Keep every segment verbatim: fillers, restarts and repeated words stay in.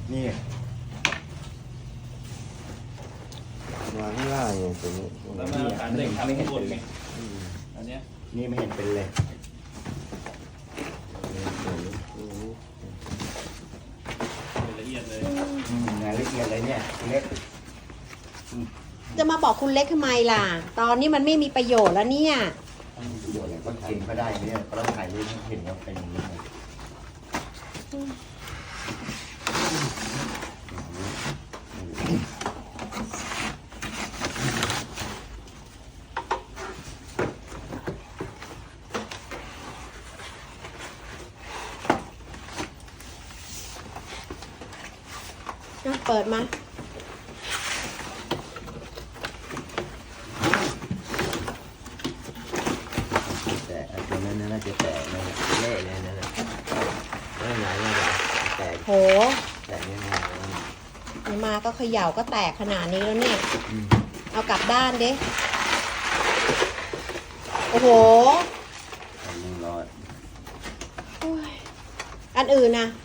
นี่วางข้างล่างอย่างตัวนี้แล้วมาฐานเหล็กทำข้างบนไงอันเนี้ยนี่ไม่เห็นเป็นเลยละเอียดเลยงานละเอียดเลยเนี่ยเล็กจะมาบอกคุณเล็กทำไมล่ะ ตอนนี้มันไม่มีประโยชน์แล้วเนี่ยประโยชน์อะไรก็เห็นก็ได้เนี่ยก็ต้องถ่ายรูปให้เห็นว่าเป็นยังไงเปิดมาแต่ตรงนั้นน่าจะแตกนะเละเลยนั่นแหละไม่ไหนไม่ไหนแตกโหแตกยังไงมาก็เขย่าก็แตกขนาดนี้แล้วเนี่ย เอากลับด้านดิโอ้โหยังรอดอันอื่นนะ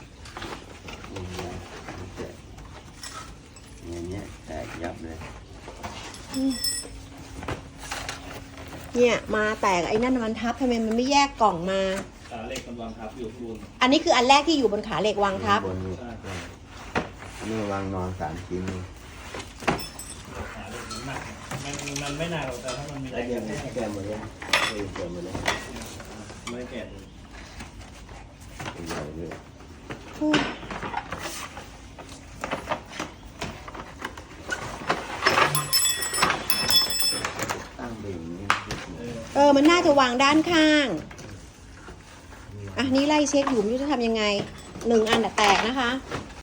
อย่างเงี้ยแตกยับเลยเนี่ยมาแตกไอ้นั่นมันทับทำไมมันไม่แยกกล่องมาฐานเหล็กกำลังทับอยู่ข้างบนอันนี้คืออันแรกที่อยู่บนขาเหล็กวางทับบนนี้นี่วางนอนสามชิ้นนี่ฐานเหล็กมันหนักมันมันไม่หนักหรอกแต่ถ้ามันมีแรแล้วงเดี๋กยวระแทให้กแกหมดเลยให้แกหมดเลยไม่แก่เลยใหญ่เลยตั้งเบ่งนี่เออ มันน่าจะวางด้านข้าง อ่ะ นี่ไล่เช็คอยู่ไม่รู้จะทำยังไง หนึ่งอันแต่แตกนะคะ